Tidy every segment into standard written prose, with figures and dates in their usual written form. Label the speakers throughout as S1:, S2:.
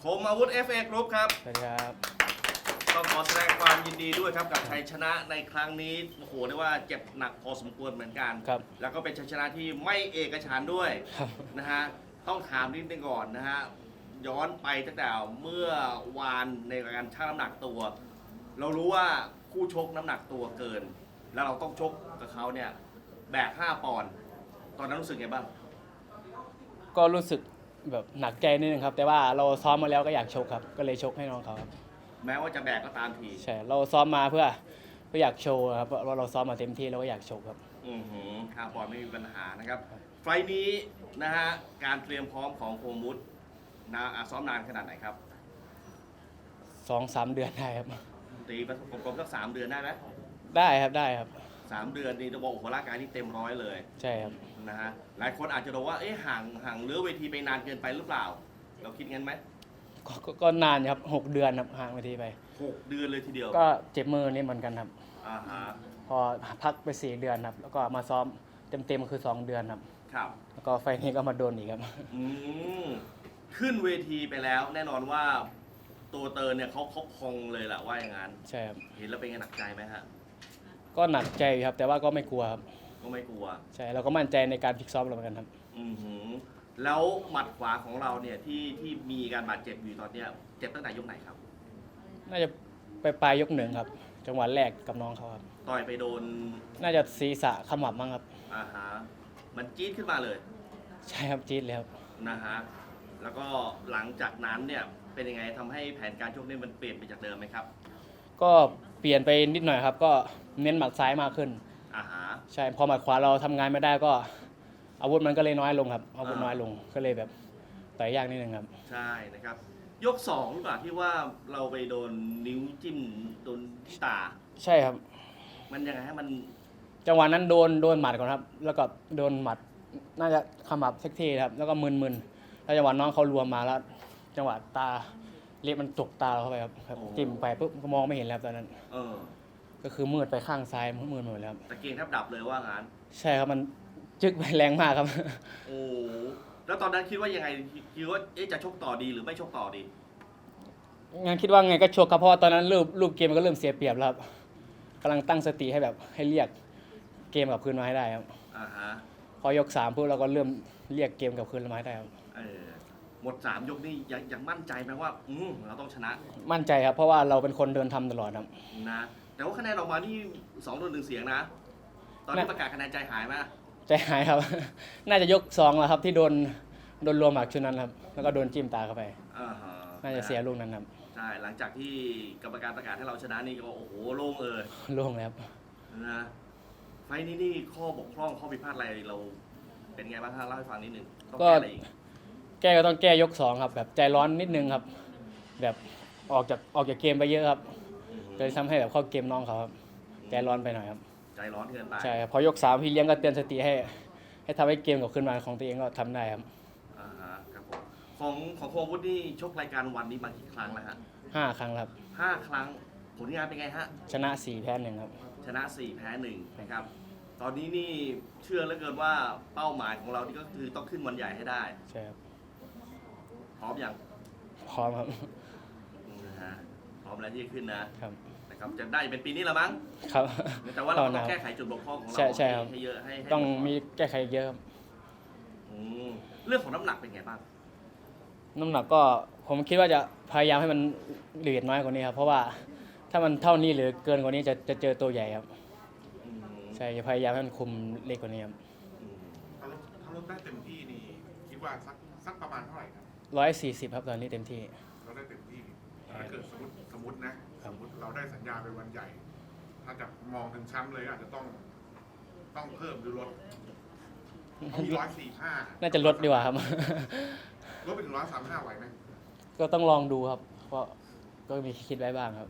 S1: มอาวุธ FA Group ครับ
S2: สวัสดีครับ
S1: ต้องขอแสดงความยินดีด้วยครับกับชัยชนะในครั้งนี้โอ้โหเรียกว่าเจ็บหนักพอสมควรเหมือนกัน
S2: ครับ
S1: แล้วก็เป็นชัยชนะที่ไม่เอกฉันท์ด้วย
S2: ครับ
S1: นะฮะต้องถามนิดนึงก่อนนะฮะย้อนไปตั้งแต่เมื่อวานในการชั่งน้ำหนักตัว เรารู้ว่าคู่ชกน้ำหนักตัวเกิน แล้วเราต้องชกกับเขาเนี่ยแบก5 ปอนด์ตอนนั้นรู้สึกไงบ้าง
S2: ก็รู้สึกแบบหนักใจนิดนึงครับ แต่ว่าเราซ้อมมาแล้วก็อยากชกครับ ก็เลยชกให้น้องเขาครับ
S1: แม้ว่าจะแบกก็ตามที
S2: ใช่ เราซ้อมมาเพื่ออยากโชว์ครับว่าเราซ้อมมาเต็มที่เราก็อยากโชว์ครับ
S1: 5 ปอนด์ไม่มีปัญหานะครับไฟล์นี้นะฮะการเตรียมพร้อมของโคมุตนะซ้อมนานขนาดไหนครับ
S2: 2-3 เดือนได้ครับ
S1: ตีประกบสัก3 เดือนได้ไหม
S2: ได้ครับ ได้ครับ
S1: 3 เดือนนี่จะบอกโอ้โหร่างกายนี่เต็มร้อยเลย
S2: ใช่ครับ
S1: นะฮะหลายคนอาจจะบอกว่าเอ๊ะห่างเลือเวทีไปนานเกินไปหรือเปล่า เราคิดงั้นไหม
S2: ก็นานครับ 6 เดือนครับห่างไปทีไป
S1: 6 เดือนเลยทีเดียว
S2: ก็เจ็บมือนี่เหมือนกันครับ
S1: อ่าฮะ
S2: พอพักไป4 เดือนครับ แล้วก็มาซ้อมเต็มคือ2 เดือนครับ
S1: ครับ
S2: แล้วก็ไฟล์นี้ก็มาโดนอีกครับ
S1: อืมขึ้นเวทีไปแล้วแน่นอนว่าตัวเตอร์เนี่ยเขาพองเลยแหละว่าอย่างนั้น
S2: ใช่ครับ
S1: เห็นแล้วเป็นไงหนักใจไหมฮะ
S2: ก็หนักใจครับ แต่ว่าก็ไม่กลัวครับ
S1: ก็ไม่กลัว
S2: ใช่ เราก็มั่นใจในการฟิกซ้อมเราเหมือนกันครับ
S1: อือหือแล้วหมัดขวาของเราเนี่ยที่มีการบาดเจ็บอยู่ตอนเนี้ยเจ็บตั้งแต่ยกไหนครับ
S2: น่าจะไปปลายยก 1ครับ จังหวะแรกกับน้องเขาครับ
S1: ต่อยไปโดน
S2: น่าจะศีรษะขมับมั้งครับ
S1: อ่าฮะมันจี๊ดขึ้นมาเลย
S2: ใช่ครับจี๊ดเลยครับ
S1: นะฮะแล้วก็หลังจากนั้นเนี่ยเป็นยังไงทำให้แผนการชกเนี่ยมันเปลี่ยนไปจากเดิมไหมครับ
S2: ก็เปลี่ยนไปนิดหน่อยครับ ก็เน้นหมัดซ้ายมากขึ้น
S1: อ่าฮะ
S2: ใช่ พอหมัดขวาเราทำงานไม่ได้ก็ อาวุธมันก็เลยน้อยลงครับ อาวุธน้อยลง ก็เลยแบบต่อยยากนิดนึงครับ
S1: ใช่นะครับ ยก2หรือเปล่าที่ว่าเราไปโดนนิ้วจิ้มโดนที่ตา
S2: ใช่ครับ
S1: มันยังไงให้มัน
S2: จังหวะนั้นโดนหมัดก่อนครับ แล้วก็โดนหมัด น่าจะขมับเซ็กทีครับ แล้วก็มึนๆแล้วจังหวะน้องเขารวมมาแล้ว จังหวะตาเล็บมันตกตาเราเข้าไปครับจิ้มไปปุ๊บก็มองไม่เห็นแล้วตอนนั้น
S1: เออ
S2: ก็คือมืดไปข้างซ้ายมืดหมดแล้วครับ
S1: ตะเกียงแทบดับเลยว่างั้น
S2: ใช่ครับมันจึกไปแรงมากครับ
S1: โอ้แล้วตอนนั้นคิดว่ายังไงคิดว่าเอ๊ะจะชกต่อดีหรือไม่ชกต่อดี
S2: งั้นคิดว่าไงก็ชกครับเพราะว่าตอนนั้นรูปเกมมันก็เริ่มเสียเปรียบแล้วครับกำลังตั้งสติให้แบบให้เรียกเกมกลับคืนมาให้ได้ครับ
S1: อ่าฮะ
S2: พอยก3ปุ๊บเราก็เริ่มเรียกเกมกลับคืนมาให้ได้ครับ
S1: เออหมด3 ยกนี่ยังมั่นใจไหมว่าเราต้องชนะ
S2: มั่นใจครับเพราะว่าเราเป็นคนเดินทำตลอดครับ
S1: นะแต่ว่าคะแนนออกมานี่2-1เสียงนะ ตอนที่ประกาศคะแนนใจหายไหม
S2: ใจหายครับ น่าจะยก2แล้วครับที่โดนรวมหมักชุดนั้นครับแล้วก็โดนจิ้มตาเข้าไป
S1: อ่าฮะ
S2: น่าจะเสียลูกนั้นครับ
S1: ใช่หลังจากที่กรรมการประกาศให้เราชนะนี่ก็โอ้โหโล่งเอย
S2: ล่วงแล้ว
S1: นะไฟล์นี้นี่ข้อบกพร่องข้อผิดพลาดอะไรเราเป็นไงบ้างฮะเล่าให้ฟังนิดนึงต้องแก้อะไรอีก
S2: แก้ก็ต้องแก้ยก2ครับแบบใจร้อนนิดนึงครับ แบบออกจากเกมไปเยอะครับเลยทำให้แบบเข้าเกมน้องเขาครับใจร้อนไปหน่อยครับ
S1: ใจร้อนเกินไป
S2: ใช่ครับพอยก3พี่เลี้ยงก็เตือนสติให้ทำให้เกมกลับขึ้นมาของตัวเองก็ทำได้ครับ
S1: อ่าฮะครับผมของโควุฒินี่ชกรายการวันนี้มากี่ครั้งแล้วฮะ
S2: 5 ครั้งครับ
S1: 5 ครั้งผลงานเป็นไงฮะ
S2: ชนะ4แพ้1ครับ
S1: ชนะ 4 แพ้ 1 นะครับ ตอนนี้นี่เชื่อเหลือเกินว่าเป้าหมายของเรานี่ก็คือต้องขึ้นวันใหญ่ให้ได้
S2: ใช่ครับ
S1: พร้อมยัง
S2: พร้อมครับ
S1: นะฮะพร้อมแล้วที่จะขึ้นนะครับ นะครับจะได้เป็นปีนี้ละมั้ง
S2: ครับ
S1: แต่ว่าเราก็ต้องแก้ไขจุดบกพร่องของเรา
S2: ใช่ครับ
S1: ให้เยอะให้
S2: ต้องมีแก้ไขเยอะครับ
S1: อืมเรื่องของน้ำหนักเป็นไงบ้าง
S2: น้ำหนักก็ผมคิดว่าจะพยายามให้มันเหลือน้อยกว่านี้ครับเพราะว่าถ้ามันเท่านี้หรือเกินกว่านี้จะเจอตัวใหญ่ครับ
S1: อืม
S2: ใช่จะพยายามให้มันคุมเล็กกว่านี้ครับ
S1: อืม
S3: ถ้าลดได้เต็มที่นี่คิดว่าสักประมาณเท่าไหร่ครับ
S2: 140ครับตอนนี้เต็มที่
S3: เราได้เต็มที่ถ้าเกิดสมมตินะ
S2: ครั
S3: ส
S2: บ
S3: มมติเราได้สัญญาไปวันใหญ่ ถ้าจะมองถึงแชมป์เลยอาจจะต้องเพิ่มหรือลดเขามี145
S2: น่าจะลดดีกว่าครับ
S3: ลดไปถึง135ไหวไหม
S2: ก็ต้องลองดูครับ เพราะก็มีคิดไว้บ้างครับ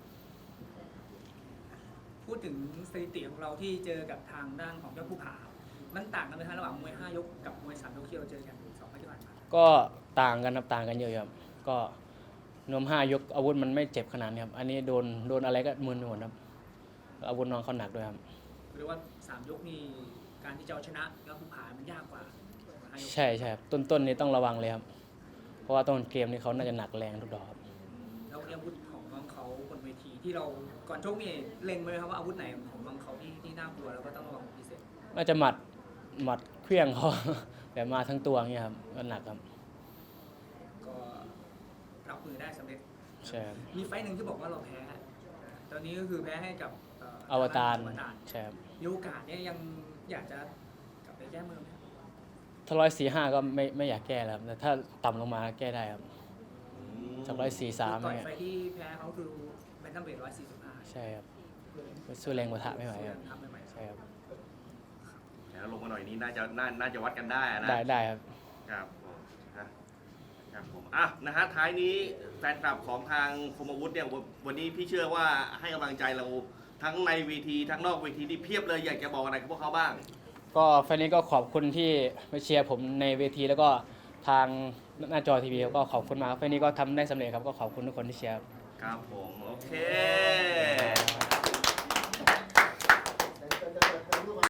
S4: พูดถึงสถิติของเราที่เจอกับทางด้านของยอดภูผา มันต่างกันไหมคะระหว่างมวย 5 ยกกับมวย 3 ยกที่เราเจอกัน2 ไฟล์ที่ผ่านมา
S2: ก็ต่างกันครับต่างกันเยอะครับก็นวม5 ยกอาวุธมันไม่เจ็บขนาดนี้ครับอันนี้โดนอะไรก็มึนไปหมดครับอาวุธน้องเขาหนักด้วยครับ
S4: หรือว่า 3 ยกนี่การที่จะเอาชนะยอดภูผามันยากกว่า5 ยก
S2: ใช่ครับต้นนี่ต้องระวังเลยครับเพราะว่าต้นเกมนี้เขาน่าจะหนักแรงทุกดอกครับ
S4: แล้วอาวุธของน้องเขาบนเวทีที่เราก่อนชกนี่เล็งไว้ไหมครับว่าอาวุธไหนของน้องเขาที่น่ากลัวแล้วก็ต้องระวังพิเศษ
S2: น่าจะหมัดเครื่องเขา แบบมาทั้งตัวอย่างเงี้ยครับก็หนักครับ
S4: ก็รับมือได้สำเร็จ
S2: ใช่ครับ
S4: มีไฟต์หนึ่งที่บอกว่าเราแพ้ ตอนนี้ก็คือแพ้ให้กับ
S2: อวตาร
S4: อวตาร
S2: ใช่ครับ
S4: มีโอกาสเนี่ยยังอยากจะกลับไปแก้มือไหมครับ
S2: ถ้า145ก็ไม่อยากแก้แล้วครับแต่ถ้าต่ำลงมาแก้ได้ครับจาก143
S4: ต่
S2: เนี่
S4: อย
S2: ย
S4: ไฟต์ที่แพ้เขาคือแบนตัมเวท145
S2: ใช่ครับสู้แรงกว่าทะไม่ไหวครับ
S4: ทำไม่ไหว
S2: ใช่ครับ
S1: แล้วลงมาหน่อยนี้น่าจะวัดกันได้นะ
S2: ได้ครับ
S1: ครับผมนะครับผมอ่ะนะฮะท้ายนี้แฟนคลับของทางคมอาวุธเนี่ยวันนี้พี่เชื่อว่าให้กำลังใจเราทั้งในเวทีทั้งนอกเวทีที่เพียบเลยอยากจะบอกอะไรกับพวกเขาบ้าง
S2: ก็ไฟล์นี้ก็ขอบคุณที่มาเชียร์ผมในเวทีแล้วก็ทางหน้าจอทีวีก็ขอบคุณมากครับไฟล์นี้ก็ทำได้สำเร็จครับก็ขอบคุณทุกคนที่เชียร์ครับ
S1: ครับผม โอเค